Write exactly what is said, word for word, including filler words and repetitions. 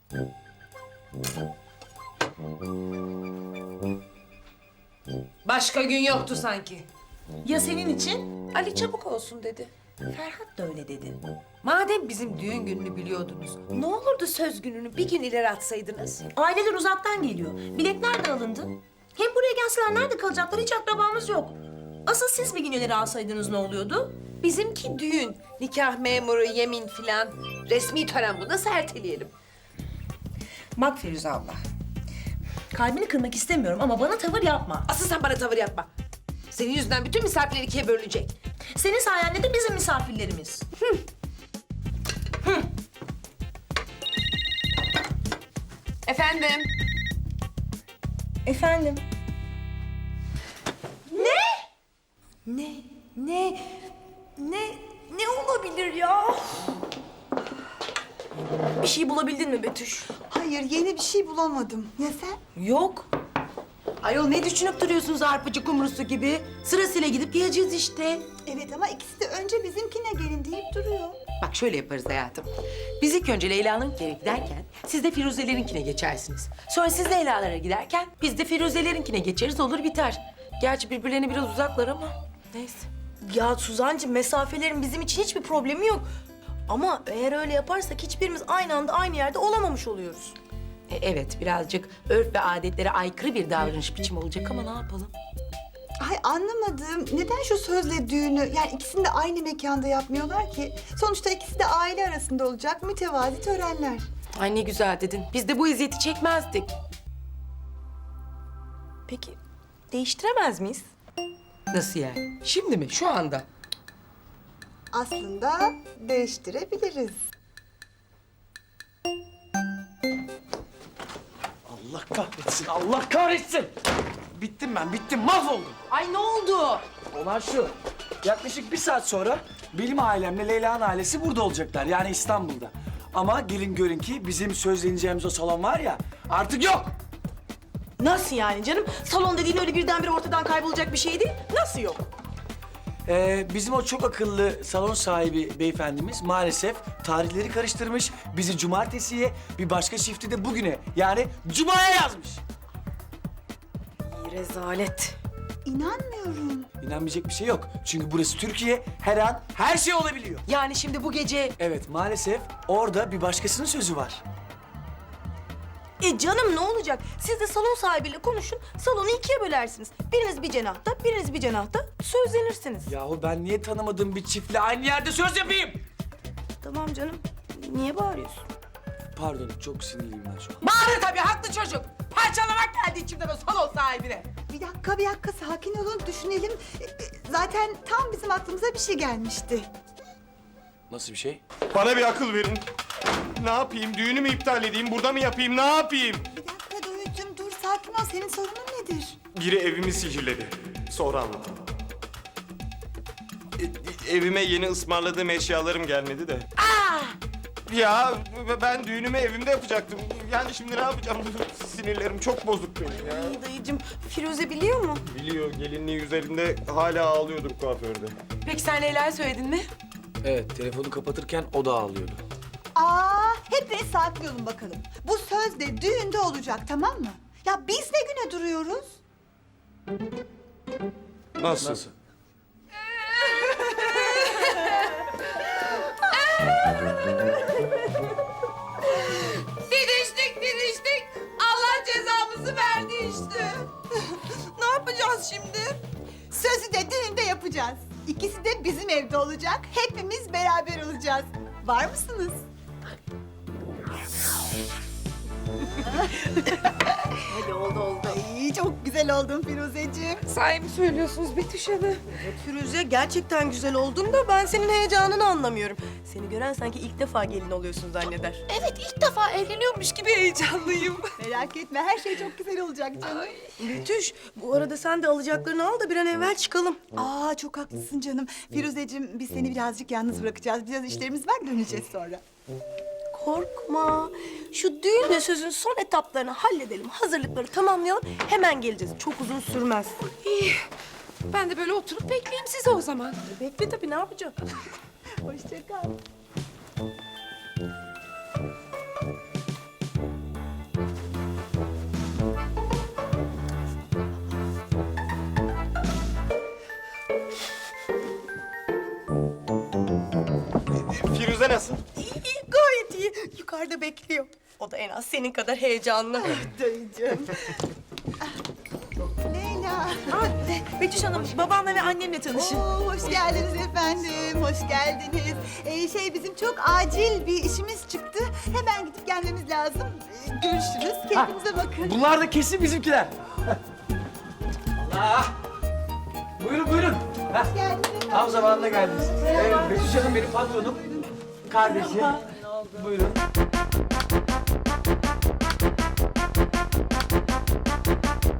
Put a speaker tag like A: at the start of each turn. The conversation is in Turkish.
A: Başka gün yoktu sanki.
B: Ya senin için?
A: Ali çabuk olsun dedi.
B: Ferhat da öyle dedi.
A: Madem bizim düğün gününü biliyordunuz, ne olurdu söz gününü bir gün ileri atsaydınız?
B: Aileler uzaktan geliyor. Biletler de alındı. Hem buraya gelseler nerede kalacaklar? Hiç akrabamız yok. Asıl siz bir gün ileri alsaydınız ne oluyordu?
A: Bizimki düğün, nikah memuru, yemin filan. Resmi tören bu, nasıl erteleyelim?
B: Bak Firuze abla. Kalbini kırmak istemiyorum ama bana tavır yapma.
A: Asıl sen bana tavır yapma. Senin yüzünden bütün misafirler ikiye bölünecek.
B: Senin sayende de bizim misafirlerimiz.
A: Efendim?
B: Efendim?
A: Ne? Ne? Ne? Ne olabilir ya?
B: Bir şey bulabildin mi Betüş?
C: Hayır, yeni bir şey bulamadım. Ya sen?
B: Yok.
D: Ayol ne düşünüp duruyorsunuz arpacı kumrusu gibi? Sırasıyla gidip geleceğiz işte.
C: Evet ama ikisi de önce bizimkine gelin deyip duruyor.
D: Bak şöyle yaparız hayatım. Biz ilk önce Leyla'nınkine giderken siz de Firuze'lerinkine geçersiniz. Sonra siz Leyla'lara giderken biz de Firuze'lerinkine geçeriz, olur biter. Gerçi birbirlerine biraz uzaklar ama neyse.
B: Ya Suzancığım, mesafelerin bizim için hiçbir problemi yok. Ama eğer öyle yaparsak hiçbirimiz aynı anda aynı yerde olamamış oluyoruz.
D: E, evet birazcık örf ve adetlere aykırı bir davranış biçimi olacak ama ne yapalım?
C: Ay anlamadım. Neden şu sözle düğünü, yani ikisini de aynı mekanda yapmıyorlar ki? Sonuçta ikisi de aile arasında olacak mütevazi törenler.
D: Ay ne güzel dedin. Biz de bu eziyeti çekmezdik.
B: Peki değiştiremez miyiz?
D: Nasıl yani? Şimdi mi? Şu anda?
C: Aslında değiştirebiliriz.
E: Allah kahretsin, Allah kahretsin! Bittim ben, bittim, mahvoldum.
D: Ay ne oldu?
E: Olan şu, yaklaşık bir saat sonra benim ailemle Leyla'nın ailesi burada olacaklar, yani İstanbul'da. Ama gelin görün ki bizim sözleneceğimiz o salon var ya, artık yok.
B: Nasıl yani canım? Salon dediğin öyle birdenbire ortadan kaybolacak bir şey değil. Nasıl yok?
E: Ee, bizim o çok akıllı salon sahibi beyefendimiz maalesef tarihleri karıştırmış. Bizi cumartesiye, bir başka çifti de bugüne, yani cumaya yazmış.
B: Rezalet.
C: İnanmıyorum.
E: İnanmayacak bir şey yok. Çünkü burası Türkiye, her an her şey olabiliyor.
D: Yani şimdi bu gece
E: Evet, maalesef orada bir başkasının sözü var.
B: E canım ne olacak? Siz de salon sahibiyle konuşun, salonu ikiye bölersiniz. Biriniz bir cenahta, biriniz bir cenahta sözlenirsiniz.
E: Yahu ben niye tanımadığım bir çiftle aynı yerde söz yapayım?
B: Tamam canım. Niye bağırıyorsun?
E: Pardon, çok sinirliyim ben şu an.
D: bağırır tabii, haklı çocuk. Parçalamak geldi içimden o salon sahibine.
C: Bir dakika, bir dakika sakin olun, düşünelim. E, e, Zaten tam bizim aklımıza bir şey gelmişti.
E: Nasıl bir şey?
F: Bana bir akıl verin. Ne yapayım? Düğünü mü iptal edeyim? Burada mı yapayım? Ne yapayım?
C: Bir dakika Doğucuğum, dur sakin ol. Senin sorunun nedir?
F: Biri evimi sihirledi. Sonra anladım. E- evime yeni ısmarladığım eşyalarım gelmedi de. Ya ben düğünümü evimde yapacaktım. Yani şimdi ne yapacağım? Sinirlerim çok bozuk benim ya.
B: Ay dayıcığım, Firuze biliyor mu?
F: Biliyor, gelinliği üzerinde hala ağlıyordur kuaförde.
D: Peki sen Leyla'ya söyledin mi?
E: Evet, telefonu kapatırken o da ağlıyordu.
C: Aa, hepiniz sakin olun bakalım. Bu söz de düğünde olacak, tamam mı? Ya biz ne güne duruyoruz?
F: Nasıl?
E: Nasıl?
A: Didiştik, didiştik. Allah cezamızı verdi işte.
C: Ne yapacağız şimdi? Sözü de düğünde yapacağız. İkisi de bizim evde olacak. Hepimiz beraber olacağız. Var mısınız? Hadi oldu oldu. Ay, çok güzel oldun Firuzeciğim.
A: Sahi mi söylüyorsunuz Betüş Hanım?
B: Firuze gerçekten güzel oldun da ben senin heyecanını anlamıyorum. Seni gören sanki ilk defa gelin oluyorsun zanneder.
A: Evet, ilk defa evleniyormuş gibi heyecanlıyım.
C: Merak etme, her şey çok güzel olacak canım.
B: Betüş, bu arada sen de alacaklarını al da bir an evvel çıkalım.
C: Aa, çok haklısın canım. Firuzeciğim, biz seni birazcık yalnız bırakacağız. Biraz işlerimiz var, döneceğiz sonra.
B: Korkma. Şu düğünle sözün son etaplarını halledelim. Hazırlıkları tamamlayalım. Hemen geleceğiz. Çok uzun sürmez.
A: İyi. Ben de böyle oturup bekleyeyim sizi o zaman.
B: Bekle tabii, ne yapacağım?
C: Hoşça kal.
F: nasıl?
B: İyi, iyi, gayet iyi. Yukarıda bekliyor. O da en az senin kadar heyecanlı.
C: Dayıcığım. Leyla.
B: Betüş Hanım, babamla ve annemle tanışın.
C: Oo, hoş geldiniz efendim, hoş geldiniz. Ee, şey bizim çok acil bir işimiz çıktı. Hemen gidip gelmemiz lazım. Ee, görüşürüz, kendinize bakın.
E: Bunlar da kesin bizimkiler. Allah! Buyurun buyurun. Heh,
C: Geldiniz efendim.
E: tam zamanında geldiniz. Evet, Betüş Hanım benim patronum. Kardeşi. Buyurun.